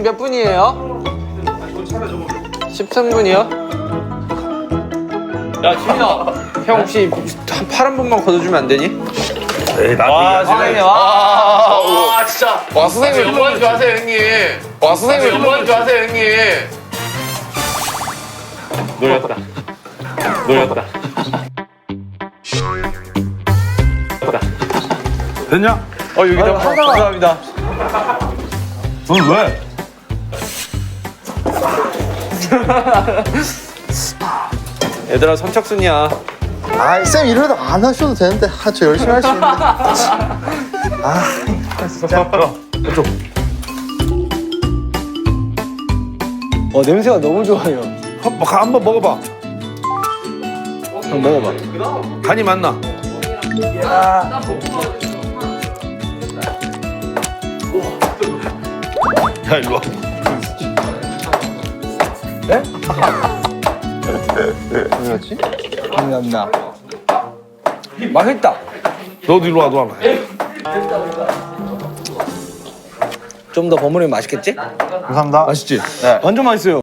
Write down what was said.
몇 분이에요? 13분이요? 야 지민아. 형 혹시 한 파란 분만 걷어주면 안 되니? 와 선생님 와 진짜. 와 선생님 영광인 줄 아세요 형님. 와 선생님 영광인 줄 아세요 형님. 놀렸다. 놀렸다. 됐냐? 여기다 감사합니다. 넌 왜? 얘들아 선착순이야. 아, 쌤 이러다 안 하셔도 되는데. 아, 저 열심히 할 수 있는데. 아, 진짜. 냄새가 너무 좋아요. 한번 먹어봐. 형 먹어봐. 간이 맞나? 야 일로 와. 뭐였지? 감사합니다. 맛있다. 너도 일로 와, 너 하나. 좀 더 버무리면 맛있겠지? 감사합니다. 맛있지? 완전 맛있어요.